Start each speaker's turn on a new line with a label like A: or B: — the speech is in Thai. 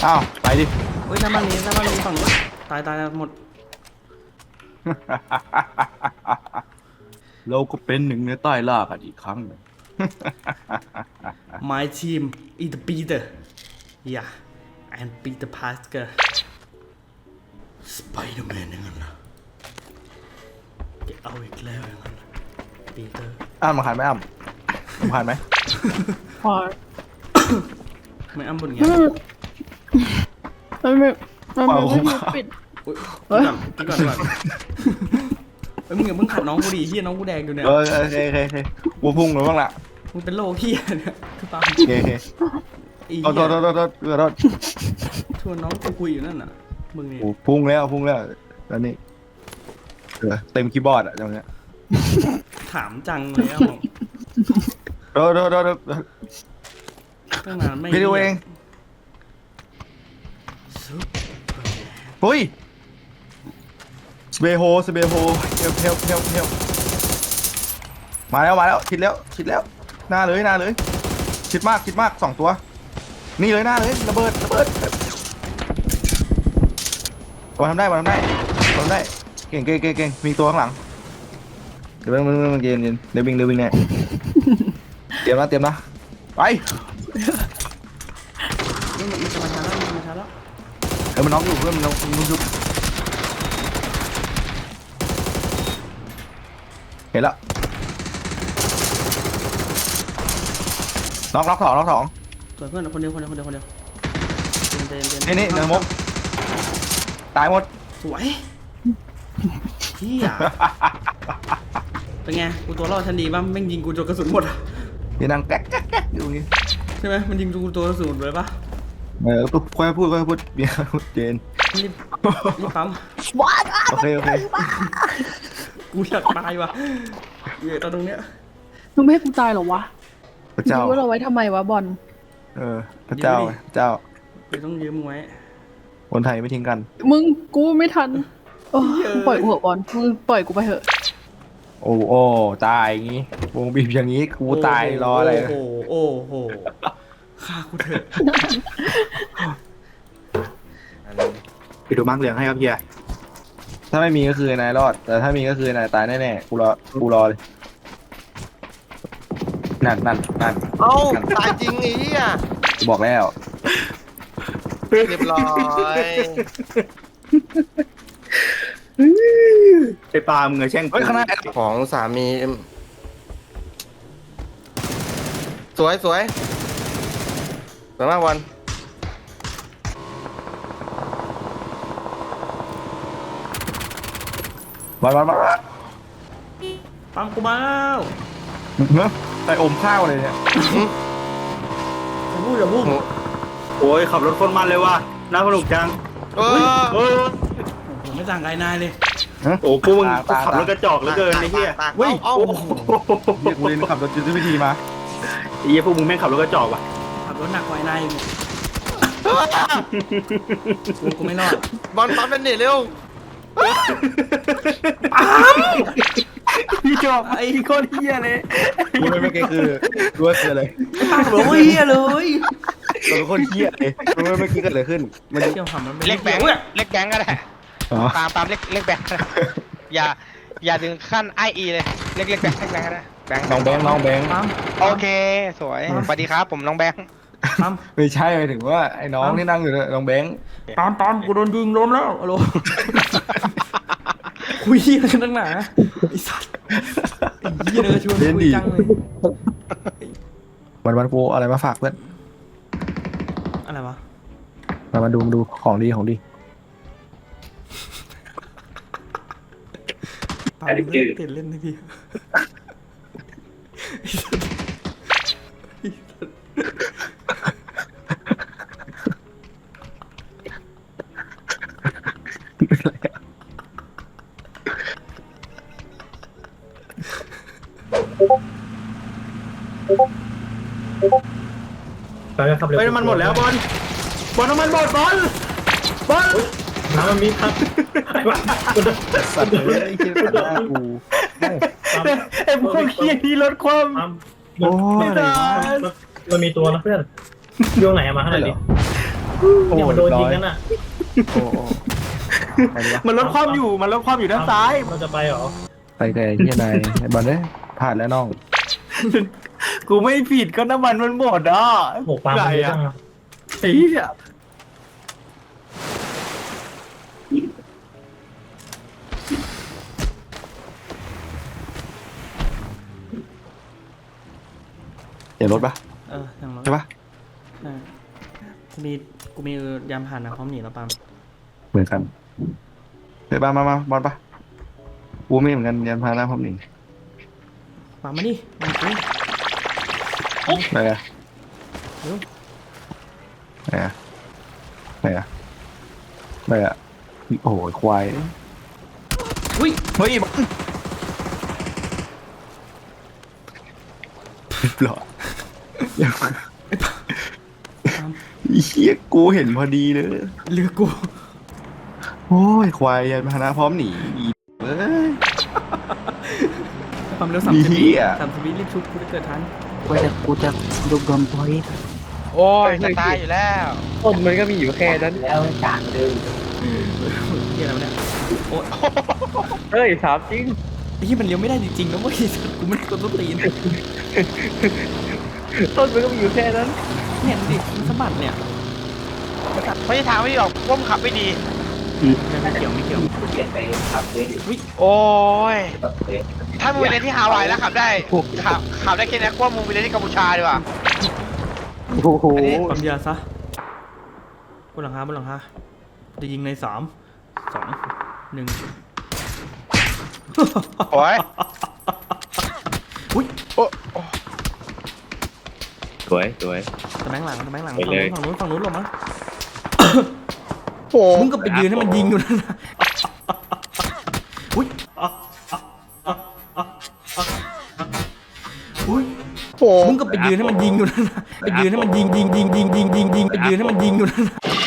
A: อ้าวไปดิ
B: เฮ้ยหน้าบ้านนี้ฝั่งนู้นตายหมด
A: เราก็เป็นหนึ่งในใต้ล่ากันอีกครั้งหนึ่ง
B: My team is the Peter yeah and Peter Parker Spider-Man อย่างนั้นนะแกเอาอีกแล้วอย่างนั้นนะ Peter
A: อ้ำมาขายไหมอ้ำผมขายไหม
C: พอ
B: ไม่อ้ำบนไง
C: มันไม่ปิด
B: อุ๊ยกินก่อนเฮ้ยมึงอย่าเพิ่งขัดน้องกูดิเฮียน้องกูแดงอยู่เนี่ย
A: โอเควัวพุ่งหรือบ้างล่ะ
B: มึงเป็นโรคเฮียเนี่ยคือปา
A: โอเค
B: อี
A: โทษ
B: เหี้ย
A: ษ
B: ชวนน้องกูคุยอยู่นั่นน่ะมึงนี่
A: โอ้พุ่งแล้วแล้วนี่เต็มคีย์บอร์ดอะจังเนี้ย
B: ถามจังเลยอ่ะผม
A: โทษ
B: ตั้งนานไม่
A: พี่ดูเองเฮ้ยสเบโฮเฮลมาแล้วคิดแล้วหน้าเลยคิดมาก2 ตัวนี่เลยหน้าเลยระเบิดบอลทำได้เก่งมีตัวข้างหลังเดี๋ยวมึงเย็นเดี๋ยววิ่งเนี่ยเตรียมนะไป
B: มันจะมาช้าแล้ว
A: มันน็อกอยู่เพื่อนมันน็อกอยู่เห็นแล้วน็อกสอง
B: สวยเพื่อนคนเดียวเย็น
A: นี่เนื้อมกตายหมด
B: สวยเฮียเป็นไงกูตัวรอดทันดีป่ะแม่งยิงกูจนกระสุนหมดอ่ะ
A: นี่นั่งแก๊กอยู่นี่
B: ใช่ไหมมันยิงกูตัวกระสุนหมดเลยป่ะ
A: ค่อยพูดเบียร์เจน
B: รีบปั๊ม
A: โอเค
B: กูอยากตายว่ะอยู่ตอนตรงเนี้ย
C: มึงไม่ให้กูตายหรอวะ
A: พระเจ้า
C: รู้ว่าเราไว้ทำไมวะบอล
A: พระเจ้า
B: กูต้องยืมมึงไว้
A: คนไทยไม่ทิ้งกัน
C: มึงกูไม่ทันปล่อยกูเหอะบอลมึงปล่อยกูไปเถอะ
A: โอ้ตายอย่างงี้วงบีบอย่างงี้กูตายรออะไร
B: โอ้โหฆ่ากูเถอะ
D: ไปดูมาร์กเหลืองให้ครับเฮีย
A: ถ้าไม่มีก็คือนายรอด แต่ถ้ามีก็คือนายตายแน่ๆกูรอเลยนั่น
E: เอ้าตายจริงไอ้เหี้ย
A: กูบอกแล้ว
E: เรียบร้อย
D: ไปปลามึงอะแช่ง
A: เฮ้ยข้างหน้า
E: ของสามีสวยสวยมากวัน
A: มา
B: ปั๊มกูมาแล้ว
A: เนอะแต่อมข้าวเลยเนี่ย
B: อย่าพูด
D: โอ้ยขับรถคนมันเลยว่ะน่าสนุกจัง
E: เออ
B: ผมไม่ต่างไกลนายเลย
D: โอ้พวกมึงขับรถกระจอกเหลือเกินไอ้เหี้ย
A: เฮ้ย
E: เอ้า
A: เรียกกูเรียนขับรถยุทธวิธีมา
D: ไอ้เหี้ยพวกมึงแม่งขับรถกระจอกว่ะ
B: ขับรถหนักกว่านายกูไม่รอด
E: บอลปั๊มเป็นหนีเร็ว
D: พี่จอกไอ้โคตรเหี้ยเลย
A: กูไม่เก่งคือรู้ว่าเกิดอะไร
B: ปั๊มหลงเฮียเลย
A: เราเป็นคนเหี้ยเลยรู้ว่าเมื่อกี้เกิดอะไรขึ้นมัน
B: เที่ยวทำมัน
F: เล็กแบงค์เล็กแบงค์ก็ได้
A: อ๋อ
F: ตามเล็กแบงค์ก็ได้อย่าถึงขั้นไอเลยเล็กแบงค์ก็ได้แบงค์
A: น้องแบงค์
B: ปั๊ม
F: โอเคสวยสวัสดีครับผมน้องแบงค์
B: ปั๊ม
A: ไม่ใช่หมายถึงว่าไอ้น้องที่นั่งอยู่เนี่ยน้องแบงค์
B: ปั๊มกูโดนยิงล้มแล้วอะโหลคุยอะไรกันตั้งหนาไอ้สัตว์ไอ้เหี้ยเลยชวนคุยจังเลย
A: วันกูอะไรมาฝากเพื่อน
B: อะไรวะ
A: มาดูของดี
B: ปั๊มเล่นเปลี่ยนเล่นให้พี่
D: ไปขับเร็วน้ำมันหมดแล้วบอลน้ำมันหมดบอลน้ำมันมีครับ
A: สัตว์เลยไอ้เหี้ยตัดหน้ากู
D: ไอ้พวกเหี้ยนี่ลดความ
A: โอ้ยอะไรวะ
G: มันมีตัวนะเพื่อนช่วงไหนมาให้หน่อยดิ
D: เนี่ยมันโดนยิงกันอ่ะ
A: โอ้โหไปดีวะ
D: มันลดความอยู่ด้านซ้ายเราจะไปเหรอ
A: ไปไกลที่ไหนไอ้บอลเนี่ยผ่านแล้วน้อง
D: กูไม่ผิดก็น้ำมันมันหมดอ่ะโหปลาไปอ่ะไอ้เหี้ย
A: เห็นรถปะ
B: ทางรถ
A: ใช่ปะ
B: ใช่กูมียามผ่านนะพร้อมหนีแล้วปาล์ม
A: เหมือนกันเดี๋ยวมาบอลปะกูไม่เหมือนกันยันพาหน้าพร้อมหนี
B: ปาล์มมาดิมาดิ
A: ไหนอะ
B: เร็ว
A: ไหนอะไหนอะไหนอะโอ้โหควาย
B: อุ้ย
A: เฮ้ยบอลหรอ
B: ปาล์ม
A: เฮียกูเห็นพอดีเลย
B: เรือกู
A: โอ้ยควายยันพาหน้าพร้อมหนีอีเอ้ย
B: ความเร็ว
A: มี
B: 30
A: เหี้
B: วิ
A: ย
B: 30 วิรีบชุบกูจะเกิดทัน
F: โอ้ยจะตายอยู่แล้ว
E: ต้นมันก็มีอยู่แค่นั้น
B: เฮียอะไรวะเนี่ยโอ้ย
E: เฮ้ยถามจริง
B: ไอ้เฮียมันเลี้ยวไม่ได้จริงๆนะเว้ยกูไม่ได้กดต้นตีน
E: ต้นมันก็มีอยู่แค่นั้น
B: เนี่ยดิมันสะบัดเนี่ย
F: ไม่ใช่ทางไม่ดีหรอกพวกมึงขับไม่ดี
B: ไม่เกี่ยว
F: โอ้ย ถ้ามึงไปเรียนที่ฮาวายแล้วขับได้ขับได้แค่นี้พวกมึงไปเรียนที่กัมพูชาดีกว่า
E: โอ้โห
B: ความยาซะบนหลังคาจะยิงใน3 2 1
F: โอ้ย
B: อุ้ย
F: โอ้
E: สวย
B: ตะแบงหลัง
E: ไป
B: ฝั่ง
E: เลย
B: นู้นลงมา
F: โห
B: มึงก็ไปยืนให้มันยิงอยู่นั่นนะอุ้ยอุ้ย
F: โห
B: มึงก็ไปยืนให้มันยิงอยู่นั่นนะไปยืนให้มันยิงไปยืนให้มันยิงอยู่นั่นนะ